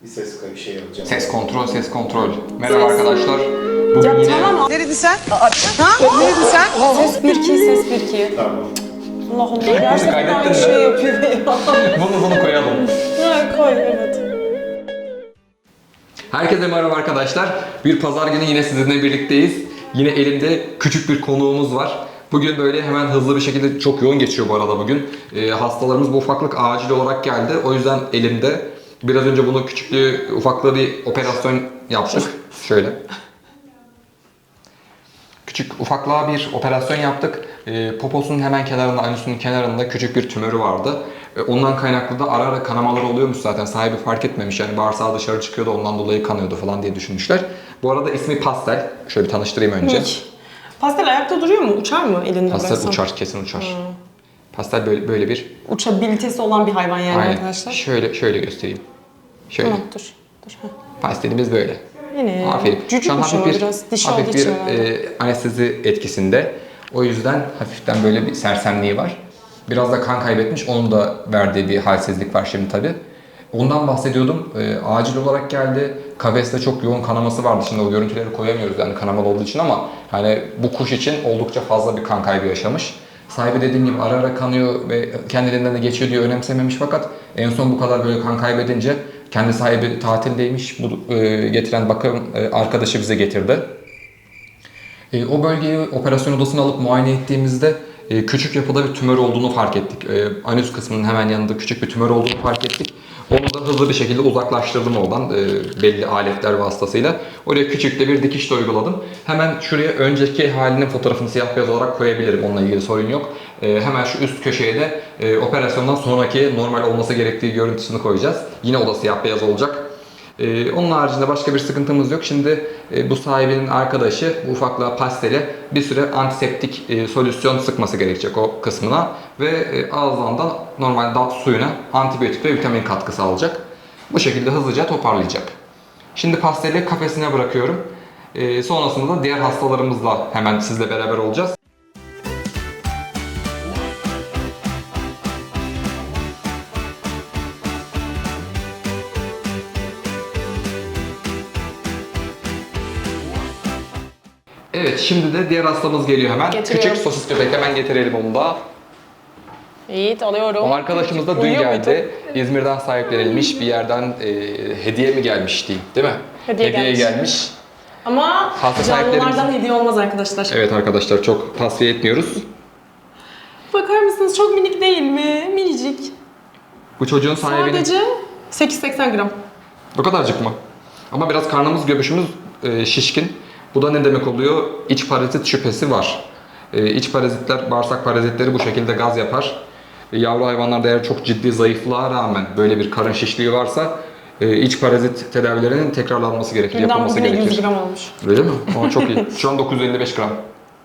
Bir ses kayıp şey yapacağım. Ses kontrol, ses kontrol. Merhaba arkadaşlar. Bugün Ya yine... tamam. Neredin sen? Ha? Neredin sen? Ses 1-2, ses 1-2. Tamam. Allah Allah. Gerçekten kaydettin aynı mi? şey yapıyor ya. Bunu koyalım. Ha, koy, evet. Herkese merhaba arkadaşlar. Bir pazar günü yine sizinle birlikteyiz. Yine elimde küçük bir konuğumuz var. Bugün böyle hemen hızlı bir şekilde, çok yoğun geçiyor bu arada bugün. Hastalarımız bu ufaklık acil olarak geldi. O yüzden elimde. Biraz önce bunu ufaklığı bir operasyon yaptık. Şöyle. Küçük ufaklığa bir operasyon yaptık. Poposunun hemen kenarında, anüsünün kenarında küçük bir tümörü vardı. Ondan kaynaklı da ara ara kanamalar oluyormuş zaten. Sahibi fark etmemiş, yani bağırsağı dışarı çıkıyordu, ondan dolayı kanıyordu falan diye düşünmüşler. Bu arada ismi Pastel. Şöyle bir tanıştırayım önce. Pastel ayakta duruyor mu? Uçar mı elinde Pastel bıraksan? uçar, kesin uçar. Pastel böyle bir... Uçabilitesi olan bir hayvan yani Aynen. arkadaşlar. Şöyle göstereyim. Şöyle. Tamam, dur. Ha. Pastelimiz böyle. Yine. Aferin. Şu an Cücükmüş hafif ama bir, biraz. Dişi hafif olduğu bir için herhalde. anestezi etkisinde. O yüzden hafiften böyle bir sersemliği var. Biraz da kan kaybetmiş. Onun da verdiği bir halsizlik var şimdi tabii. Ondan bahsediyordum. Acil olarak geldi. Kafeste çok yoğun kanaması vardı. Şimdi o görüntüleri koyamıyoruz yani kanamalı olduğu için, ama hani bu kuş için oldukça fazla bir kan kaybı yaşamış. Sahibi dediğim gibi ara ara kanıyor ve kendiliğinden de geçiyor diye önemsememiş, fakat en son bu kadar böyle kan kaybedince kendi sahibi tatildeymiş. Bu getiren bakım arkadaşı bize getirdi. O bölgeyi operasyon odasına alıp muayene ettiğimizde küçük yapıda bir tümör olduğunu fark ettik. Anüs kısmının hemen yanında küçük bir tümör olduğunu fark ettik. Onu da hızlı bir şekilde uzaklaştırdım oradan belli aletler vasıtasıyla. Oraya küçük de bir dikiş de uyguladım. Hemen şuraya önceki halinin fotoğrafını siyah beyaz olarak koyabilirim. Onunla ilgili sorun yok. Hemen şu üst köşeye de operasyondan sonraki normal olması gerektiği görüntüsünü koyacağız. Yine o da siyah beyaz olacak. Onun haricinde başka bir sıkıntımız yok. Şimdi bu sahibinin arkadaşı bu ufaklığa Pastel'e bir süre antiseptik solüsyon sıkması gerekecek o kısmına ve ağızdan da normal dal suyuna antibiyotik ve vitamin katkısı alacak. Bu şekilde hızlıca toparlayacak. Şimdi Pastel'i kafesine bırakıyorum. Sonrasında da diğer hastalarımızla hemen sizle beraber olacağız. Evet, şimdi de diğer hastamız geliyor hemen. Getiriyorum. Küçük sosis köpek, hemen getirelim onu da. İyi, alıyorum. O arkadaşımız da dün Uyuyor geldi. muydu? İzmir'den sahiplenilmiş bir yerden hediye mi gelmiş diyeyim, değil mi? Hediye gelmiş. Ama Hasta canlılardan sahiplerimiz- hediye olmaz arkadaşlar. Evet arkadaşlar, çok tavsiye etmiyoruz. Bakar mısınız? Çok minik değil mi? Minicik. Bu çocuğun sahibinin... Sadece 880 gram. O kadarcık mı? Ama biraz karnımız, göbüşümüz şişkin. Bu da ne demek oluyor? İç parazit şüphesi var. İç parazitler, bağırsak parazitleri bu şekilde gaz yapar. Yavru hayvanlarda eğer çok ciddi zayıflığa rağmen böyle bir karın şişliği varsa iç parazit tedavilerinin tekrarlanması gerekir, Günden yapılması bugüne 100 gerekir. gram olmuş. Öyle mi? Ama çok iyi. Şu an 955 gram.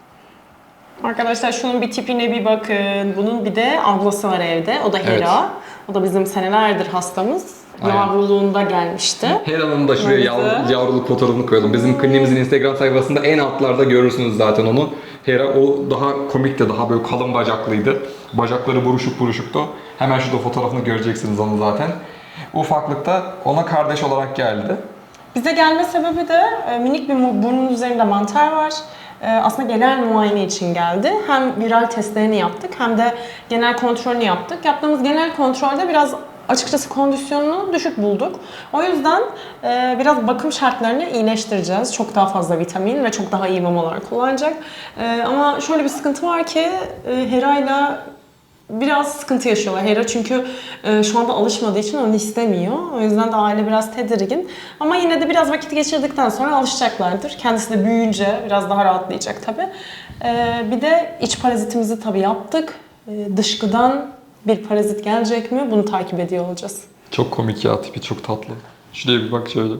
Arkadaşlar şunun bir tipine bir bakın. Bunun bir de ablası var evde. O da Hera. Evet. O da bizim senelerdir hastamız. Aynen. Yavruluğunda gelmişti. Hera'nın da şuraya Evet. yavruluk fotoğrafını koyalım. Bizim kliniğimizin Instagram sayfasında en altlarda görürsünüz zaten onu. Hera o daha komikti, daha böyle kalın bacaklıydı. Bacakları buruşuk buruşuktu. Hemen şurada fotoğrafını göreceksiniz onu zaten. Ufaklıkta ona kardeş olarak geldi. Bize gelme sebebi de minik bir burnun üzerinde mantar var. Aslında genel muayene için geldi. Hem viral testlerini yaptık hem de genel kontrolünü yaptık. Yaptığımız genel kontrolde biraz açıkçası kondisyonunu düşük bulduk. O yüzden biraz bakım şartlarını iyileştireceğiz. Çok daha fazla vitamin ve çok daha iyi mamalar kullanacak. Ama şöyle bir sıkıntı var ki Hera'yla biraz sıkıntı yaşıyorlar. Hera çünkü şu anda alışmadığı için onu istemiyor. O yüzden de aile biraz tedirgin. Ama yine de biraz vakit geçirdikten sonra alışacaklardır. Kendisi de büyüyünce biraz daha rahatlayacak tabii. Bir de iç parazitimizi tabii yaptık. Dışkıdan bir parazit gelecek mi? Bunu takip ediyor olacağız. Çok komik ya, tipi çok tatlı. Şuraya bir bak şöyle.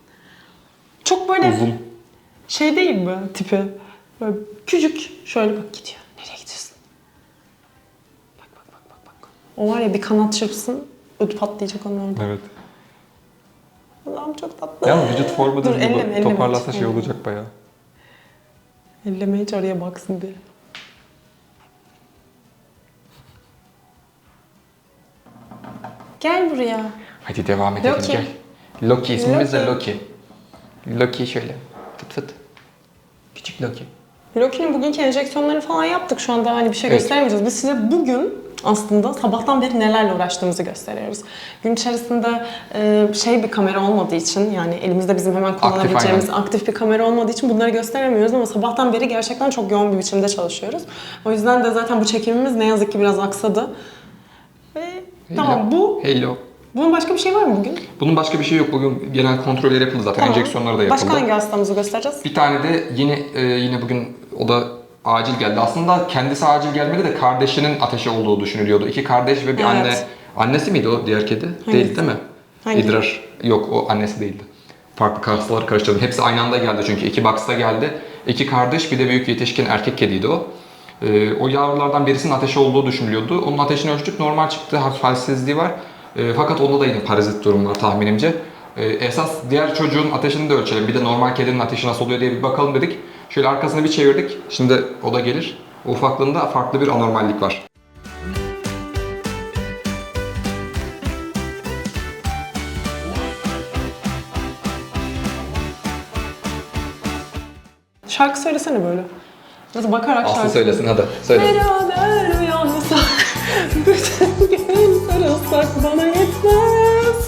Çok böyle Uzun. şey değil mi tipi? Böyle küçük. Şöyle bak gidiyor. Nereye gidiyorsun? Bak. O var ya bir kanat çırpsın, ödü patlayacak onun orada. Evet. Allah'ım çok tatlı. Yani vücut formu Dur, da elleme, toparlasa hiç. şey olacak bayağı. Elleme hiç araya baksın diye. Gel buraya. Hadi devam edelim, Yok ki. gel. Loki ismimiz de Loki. Loki. Loki şöyle. Fıt fıt. Küçük Loki. Loki'nin bugünkü enjeksiyonları falan yaptık. Şu anda hani bir şey Evet. gösteremeyeceğiz. Biz size bugün aslında sabahtan beri nelerle uğraştığımızı gösteriyoruz. Gün içerisinde bir kamera olmadığı için, yani elimizde bizim hemen kullanabileceğimiz aktif bir kamera olmadığı için bunları gösteremiyoruz ama sabahtan beri gerçekten çok yoğun bir biçimde çalışıyoruz. O yüzden de zaten bu çekimimiz ne yazık ki biraz aksadı. Ve tamam, Hello. bunun başka bir şey var mı bugün? Bunun başka bir şey yok. Bugün genel kontroller yapıldı zaten. Tamam. Enjeksiyonları da yapıldı. Başka hangi hastamızı göstereceğiz? Bir tane de yine bugün o da acil geldi. Aslında kendisi acil gelmedi de kardeşinin ateşi olduğu düşünülüyordu. 2 kardeş ve bir anne. Evet. Annesi miydi o diğer kedi? Hangisi? Değil mi? Hangi? İdrar. Yok, o annesi değildi. Farklı hastaları karıştırdım. Hepsi aynı anda geldi çünkü 2 box'ta geldi. 2 kardeş, bir de büyük yetişkin erkek kediydi o. O yavrulardan birisinin ateşi olduğu düşünülüyordu. Onun ateşini ölçtük, normal çıktı, hafif halsizliği var. Fakat onda da yine parazit durum var tahminimce. Esas diğer çocuğun ateşini de ölçelim. Bir de normal kedinin ateşi nasıl oluyor diye bir bakalım dedik. Şöyle arkasını bir çevirdik. Şimdi o da gelir. O ufaklığında farklı bir anormallik var. Şarkı söylesene böyle. Biraz bakarak Aslı şarkı söylesin hadi. Söyle. Beraber uyansak, bütün gün sarılsak bana yetmez.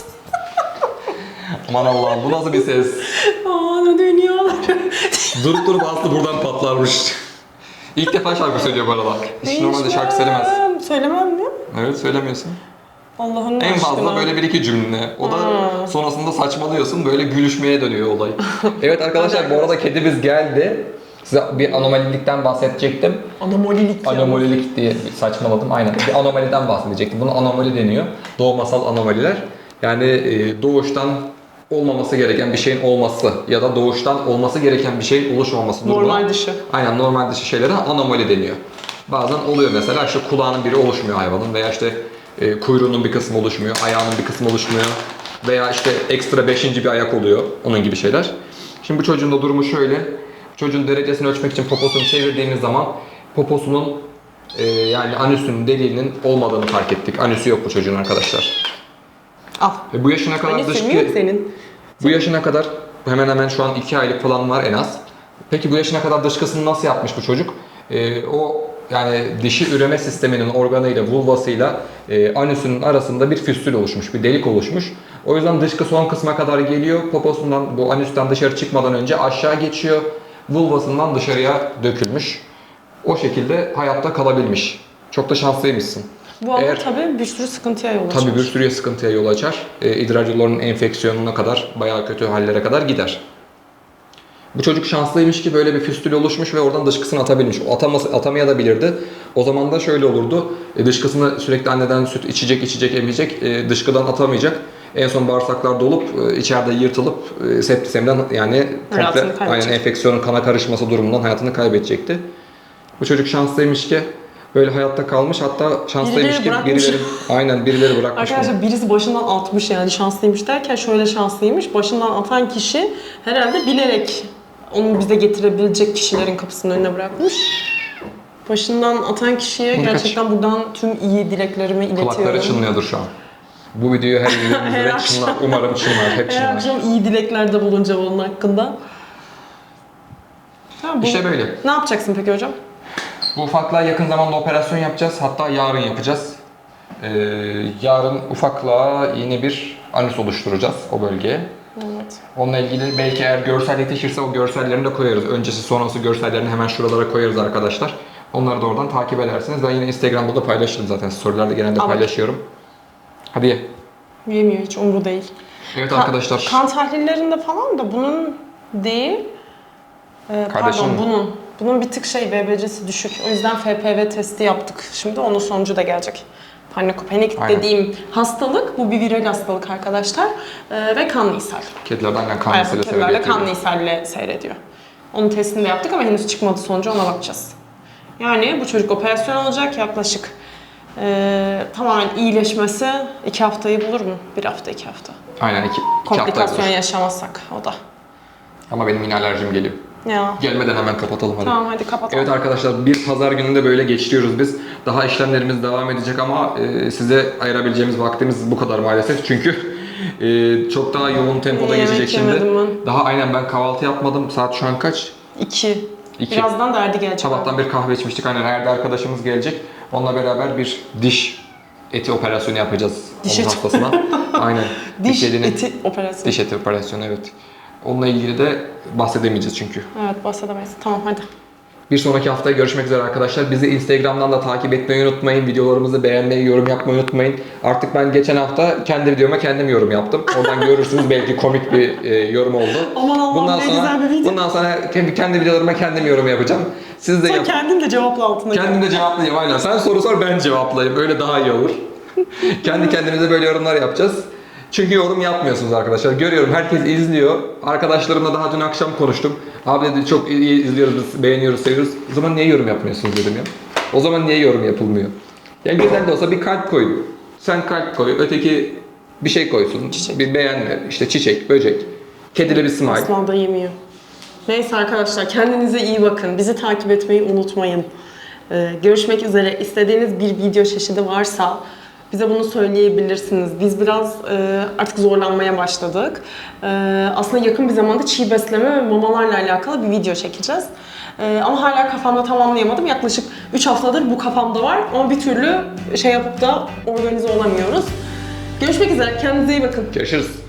Aman Allah'ım, bu nasıl bir ses? Ana dünyaları. Durup Aslı buradan patlarmış. İlk defa şarkı söylüyor bu arada. Hiç normalde şarkı söylemez. Söylemem mi? Evet, söylemiyorsun. Allah'ın En aşkına. fazla böyle bir iki cümle. O da sonrasında saçmalıyorsun, böyle gülüşmeye dönüyor olay. Evet arkadaşlar, bu arada kedimiz geldi. Size bir anomalilikten bahsedecektim. Anomalilik ya. Anomalilik diye saçmaladım, aynen. Bir anomaliden bahsedecektim. Buna anomali deniyor. Doğumasal anomaliler. Yani doğuştan olmaması gereken bir şeyin olması ya da doğuştan olması gereken bir şeyin oluşmaması durumuna. Normal dışı. Aynen, normal dışı şeylere anomali deniyor. Bazen oluyor mesela, işte kulağının biri oluşmuyor hayvanın veya işte kuyruğunun bir kısmı oluşmuyor, ayağının bir kısmı oluşmuyor veya işte ekstra 5. bir ayak oluyor, onun gibi şeyler. Şimdi bu çocuğun da durumu şöyle. Çocuğun derecesini ölçmek için poposunu çevirdiğimiz zaman poposunun yani anüsünün deliğinin olmadığını fark ettik. Anüsü yok bu çocuğun arkadaşlar. Al. Bu yaşına kadar Hani senin yok senin. bu yaşına kadar hemen hemen şu an 2 aylık falan var en az. Peki bu yaşına kadar dışkısını nasıl yapmış bu çocuk? O yani dişi üreme sisteminin organıyla, vulvasıyla anüsünün arasında bir füstül oluşmuş, bir delik oluşmuş. O yüzden dışkı son kısma kadar geliyor. Poposundan, bu anüsten dışarı çıkmadan önce aşağı geçiyor. Vulvasından dışarıya dökülmüş. O şekilde hayatta kalabilmiş. Çok da şanslıymışsın. Bu arada tabii bir sürü sıkıntıya yol açar. Tabii bir sürü sıkıntıya yol açar. İdrar yollarının enfeksiyonuna kadar, bayağı kötü hallere kadar gider. Bu çocuk şanslıymış ki böyle bir füstül oluşmuş ve oradan dışkısını atabilmiş. O atamayabilirdi. O zaman da şöyle olurdu. Dışkısını sürekli anneden süt içecek, emecek. Dışkıdan atamayacak. En son bağırsaklar dolup içeride yırtılıp septisemden yani komple aynen enfeksiyonun kana karışması durumundan hayatını kaybedecekti. Bu çocuk şanslıymış ki böyle hayatta kalmış, hatta şanslıymış ki birileri bırakmış. Arkadaşlar birisi başından atmış, yani şanslıymış derken şöyle şanslıymış. Başından atan kişi herhalde bilerek onu bize getirebilecek kişilerin kapısının önüne bırakmış. Başından atan kişiye gerçekten buradan tüm iyi dileklerimi iletiyorum. Kulakları çınlıyordur şu an. Bu videoyu her izlediğimizde çınlar. Umarım çınlar, hep çınlar. Her akşam iyi dileklerde bulunca onun hakkında. İşte böyle. Ne yapacaksın peki hocam? Bu ufaklığa yakın zamanda operasyon yapacağız. Hatta yarın yapacağız. Yarın ufaklığa yeni bir anüs oluşturacağız o bölgeye. Evet. Onunla ilgili belki eğer görsel yetişirse o görsellerini de koyarız. Öncesi sonrası görsellerini hemen şuralara koyarız arkadaşlar. Onları da oradan takip edersiniz. Ben yine Instagram'da da paylaşırım zaten. Storylerde genelde paylaşıyorum. Hadi ye. Yemiyor, hiç umru değil. Evet arkadaşlar. Kan tahlillerinde falan da bunun değil, bunun bir tık BBC'si düşük. O yüzden FPV testi yaptık. Şimdi onun sonucu da gelecek. Panikopenik dediğim hastalık, bu bir viral hastalık arkadaşlar ve kanlı ishal. Kedilerden kanlı ishal seyrediyor. Kedilerle kanlı ishalle seyrediyor. Onun testini de yaptık ama henüz çıkmadı sonucu, ona bakacağız. Yani bu çocuk operasyon olacak yaklaşık tamamen iyileşmesi 2 haftayı bulur mu? 1 hafta, 2 hafta. Aynen 2 hafta. Komplikasyon yaşamazsak o da. Ama benim yine alerjim geliyor. Ya. Gelmeden hemen kapatalım hadi. Tamam hadi kapatalım. Evet arkadaşlar, bir pazar gününde böyle geçiriyoruz biz. Daha işlemlerimiz devam edecek ama size ayırabileceğimiz vaktimiz bu kadar maalesef. Çünkü Çok daha yoğun tempoda Yemek geçecek şimdi. yemedim ben. Daha aynen ben kahvaltı yapmadım. Saat şu an kaç? 2. İki. Birazdan da Erdi gelecek. Sabahtan bir kahve içmiştik. Aynen Erdi arkadaşımız gelecek. Onunla beraber bir diş eti operasyonu yapacağız. Diş onun eti. hastasına. Aynen. Bir Diş kedinin- eti operasyonu. Diş eti operasyonu evet. Onunla ilgili de bahsedemeyeceğiz çünkü. Evet, bahsedemeyiz. Tamam, hadi. Bir sonraki haftaya görüşmek üzere arkadaşlar. Bizi Instagram'dan da takip etmeyi unutmayın. Videolarımızı beğenmeyi, yorum yapmayı unutmayın. Artık ben geçen hafta kendi videoma kendim yorum yaptım. Oradan görürsünüz belki komik bir yorum oldu. Aman Allah'ım, ne güzel bir video. Bundan sonra kendi videolarıma kendim yorum yapacağım. Siz de Sen yap. kendin de cevapla altına. Kendim de cevaplayayım aynen. Sen soru sor ben cevaplayayım. Öyle daha iyi olur. Kendi kendimize böyle yorumlar yapacağız. Çünkü yorum yapmıyorsunuz arkadaşlar. Görüyorum herkes izliyor. Arkadaşlarımla daha dün akşam konuştum. Abi dedi çok iyi izliyoruz, biz beğeniyoruz, seviyoruz. O zaman niye yorum yapmıyorsunuz dedim ya. O zaman niye yorum yapılmıyor? Ya güzel de olsa bir kalp koy. Sen kalp koy, öteki bir şey koysun. Çiçek. Bir beğenme, işte çiçek, böcek. Kedili bir smile. Aslan da yemiyor. Neyse arkadaşlar, kendinize iyi bakın. Bizi takip etmeyi unutmayın. Görüşmek üzere. İstediğiniz bir video çeşidi varsa bize bunu söyleyebilirsiniz. Biz biraz artık zorlanmaya başladık. Aslında yakın bir zamanda çiğ besleme ve mamalarla alakalı bir video çekeceğiz. Ama hala kafamda tamamlayamadım. Yaklaşık 3 haftadır bu kafamda var. Ama bir türlü şey yapıp da organize olamıyoruz. Görüşmek üzere. Kendinize iyi bakın. Görüşürüz.